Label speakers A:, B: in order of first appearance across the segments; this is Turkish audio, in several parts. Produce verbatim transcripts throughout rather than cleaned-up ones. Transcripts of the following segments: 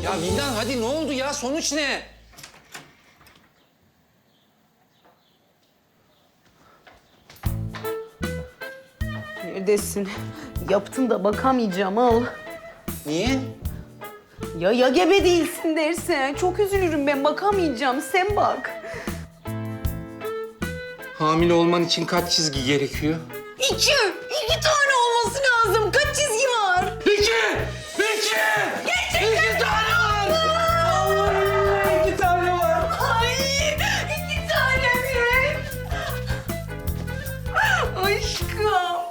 A: Ya Vildan hadi ne oldu ya? Sonuç ne?
B: Neredesin? Yaptın da bakamayacağım al.
A: Niye?
B: Ya ya gebe değilsin dersen çok üzülürüm ben bakamayacağım sen bak.
A: Hamile olman için kaç çizgi gerekiyor?
B: İki, iki tane olması lazım. Kaç çizgi var?
A: İki! İki!
B: Gerçekten
A: İki tane var! Allah'ım iki tane var.
B: Ay iki tane mi? Aşkım.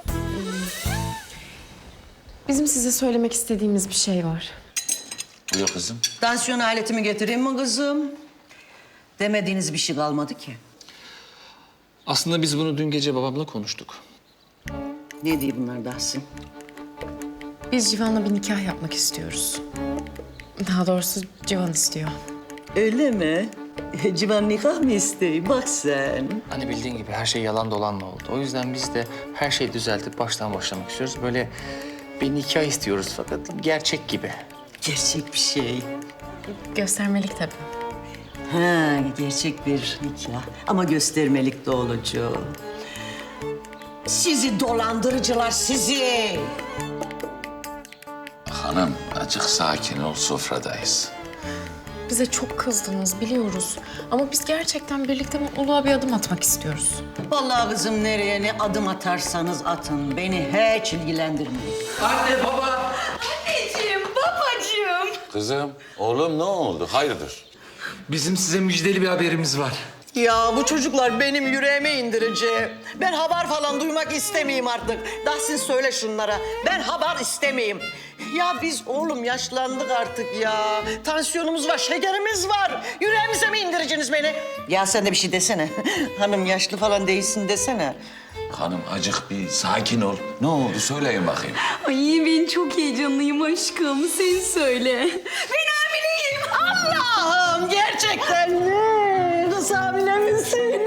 C: Bizim size söylemek istediğimiz bir şey var.
D: Buyur kızım.
E: Tansiyon aletimi getireyim mi kızım? Demediğiniz bir şey kalmadı ki.
A: Aslında biz bunu dün gece babamla konuştuk.
E: Ne diye bunlar Dahsin?
C: Biz Civan'la bir nikah yapmak istiyoruz. Daha doğrusu Civan istiyor.
E: Öyle mi? Civan nikah mı isteği? Bak sen.
F: Hani bildiğin gibi her şey yalan dolanla oldu. O yüzden biz de her şeyi düzeltip baştan başlamak istiyoruz. Böyle bir nikah istiyoruz fakat gerçek gibi.
E: Gerçek bir şey.
C: Göstermelik tabii.
E: Ha, gerçek bir nikah. Ama göstermelik de olacak. Sizi dolandırıcılar sizi.
D: Hanım, azıcık sakin ol, sofradayız.
C: Bize çok kızdınız biliyoruz. Ama biz gerçekten birlikte mutluluğa bir adım atmak istiyoruz.
E: Vallahi kızım nereye ne adım atarsanız atın. Beni hiç ilgilendirmiyor.
A: Anne, baba!
B: Anneciğim, babacığım.
D: Kızım, oğlum ne oldu? Hayırdır?
A: Bizim size müjdeli bir haberimiz var.
G: Ya bu çocuklar benim yüreğime indirici. Ben haber falan duymak istemeyeyim artık. Dahsin söyle şunlara. Ben haber istemeyeyim. Ya biz oğlum yaşlandık artık ya. Tansiyonumuz var, şekerimiz var. Yüreğimize mi indireceksiniz beni?
E: Ya sen de bir şey desene. Hanım yaşlı falan değilsin desene.
D: Hanım, acık bir sakin ol. Ne oldu? Söyleyin bakayım.
B: Ay ben çok heyecanlıyım aşkım sen söyle. Ben hamileyim.
G: Allah'ım gerçekten mi? Kız hamile misin?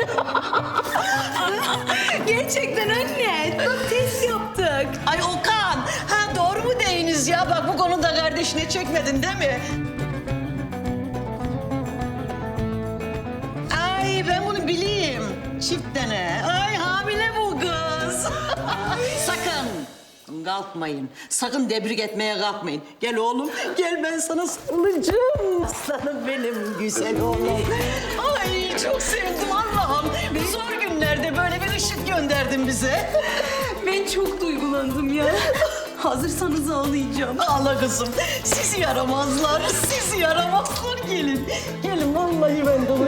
B: Gerçekten anne. Bak test yaptık.
G: Ay Okan, ha doğru mu deyiniz ya? Bak bu konuda kardeşine çekmedin değil mi? Ay ben bunu bileyim. Çift tane. Ay hamile bu kız. Sakın kalkmayın. Sakın tebrik etmeye kalkmayın. Gel oğlum, gel ben sana sarılacağım. Aslanım benim güzel oğlum. Ay çok sevdim Allah'ım. Bu zor günlerde böyle bir ışık gönderdin bize.
B: Ben çok duygulandım ya. Hazırsanız ağlayacağım.
G: Ağla kızım. Sizi yaramazlar, sizi yaramazlar. Gelin, gelin vallahi ben de